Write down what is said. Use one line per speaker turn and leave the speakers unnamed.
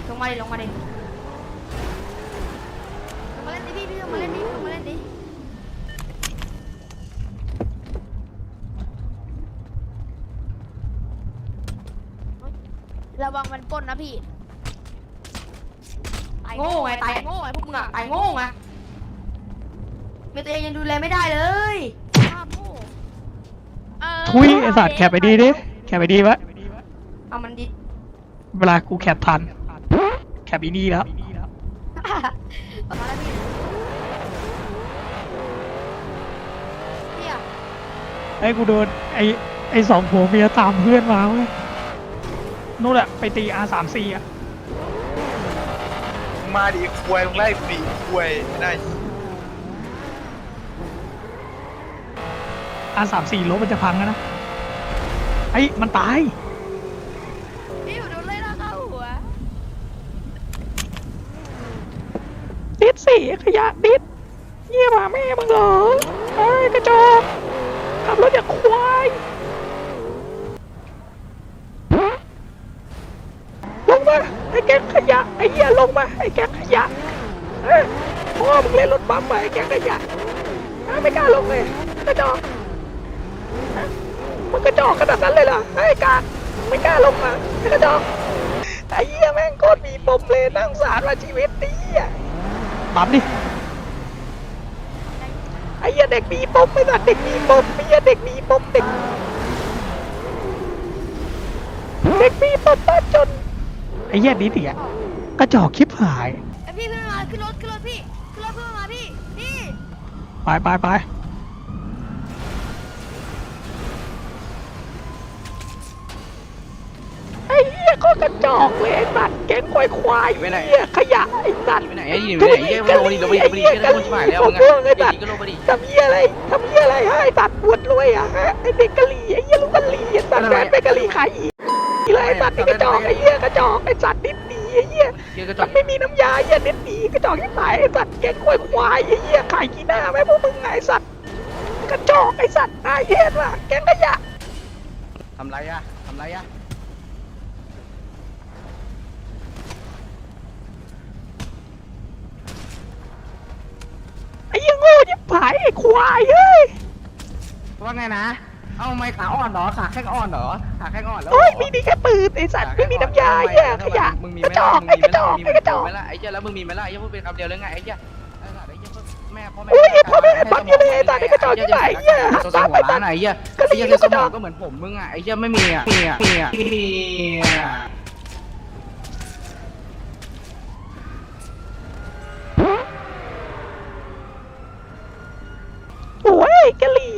ลงมาดิลงมาดิลงมาเล่นดิพี่ลงมาเล่นดิลงมาเล่นดิระวังมันปล้นนะพี่โง่ไงตายโง่ไงพวกมึงอะตายโง่ไงเมียตัวเองยังดูแลไม่ได้เลยภาพโง่
ทุยไอสัตว์แคปไปดีดิแคปไปดีวะ
เอามันดิ
เวลากูแคปทันแคปอีนี่แล้ว
ประมาณนั้นพี่พี่อะ
ไอ้กูโดนไอ้สองผัวเมียตามเพื่อนมาเว้ยนู่นแหละไปตี R34 อ่ะ
มาดิควยมึงไล่ปีควยไม่ได้
R34 รถมันจะพังแล้วนะไอ้มันตาย
พี่อยู่โดนไล่ล่าเข้าหัว
ดิดสิขยะดิดเยี่ยมาแม่มึงเหรอไอ้กระจอกขับรถอย่างควายลงมาไอ้แก๊งขยะไอ้เหี้ยลงมาไอ้แก๊งขยะพ่อมึงเล่นรถบัมป์ไปไอ้แก๊งขยะไม่กล้าลงเลยกระจอกมึงกระจอกขนาดนั้นเลยเหรอไอ้กาไม่กล้าลงมาไอ้กระจอกไอ้เหี้ยแม่งโคตรมีปมเลยนั่งสารมาชีวิตนี้ปั๊มดิไอ้เหี้ยเด็กมีปมไม่สัตว์เด็กมีปมไอ้เหี้ยเด็กมีปมเด็กมีปมบ้านจนไอ้เหี้ยดิเดียกระจอกคลิปหาย
ไอพี่ขึ้นมาขึ้นรถพี่ขึ้นรถเพื่อนมาพี่
ไปไอ้เหี้ยก็กระจอกเลยไอ้สัตว์แก๊งควายเหี้ยขยะไอ้สัตว์
ไปไหนไอ้ยี่ไปไหนไอ้ยี่ลงไปดิไอ้คนชิบหายแล้วไงไอ้ยี่ก็ลงไปดิ
ทำเหี้ยอะไรให้สัตว์ปวดรวยอ่ะไอ้เด็กกะหรี่ไอ้เหี้ยลูกกะหรี่ไอ้สัตว์แฟนไปกะหรี่ขายอีไอ้สัตว์นี่กระจอกไอ้เหี้ยกระจอกไอ้สัตว์นิดดีไอ้เหี้ยมันไม่มีน้ำยาไอ้เหี้ยนิดดีกระจอกที่ตายไอ้สัตว์แก๊งควายไอ้เหี้ยขายกี่หน้าไหมพวกมึงไอ้สัตว์กระจอกไอ้สัตว์ไอ้เหี้ยว่ะแก๊งขยะ
ทำไรอะ
ไอ้ยังโง่ยิ่งผายไอ้ควายเฮ้ย
ว่าไงนะเอาไม่ขาอ่อนเหรอขาแข้งอ่อนเหรอขาแข้งอ่อนแล้ว
โอ้ยมีดีแค่ปืนไอ้สัตว์ไม่มีน้ำยาไอ้เหี้ยขยะกระจอกไอ้กระจอกไอ้กระจอก
ไอ้เจ้าแล้วมึงมีไหมล่ะไอ้เจ้าพูดเป็นคำเดียวเลยไงไอ้เจ้าแม่พ่อแม่
พ่อแม่ปั๊มอยู่เลยไอ้สัตว์ไอ้กระจอกที่ไหนไอ้เหี้ย
ตัวหัวร้านไอ้เจ้าไอ้เจ้าสมองก็เหมือนผมมึงอ่ะไอ้เจ้าไม่มีอ่ะ
โอ้ยกะหรี่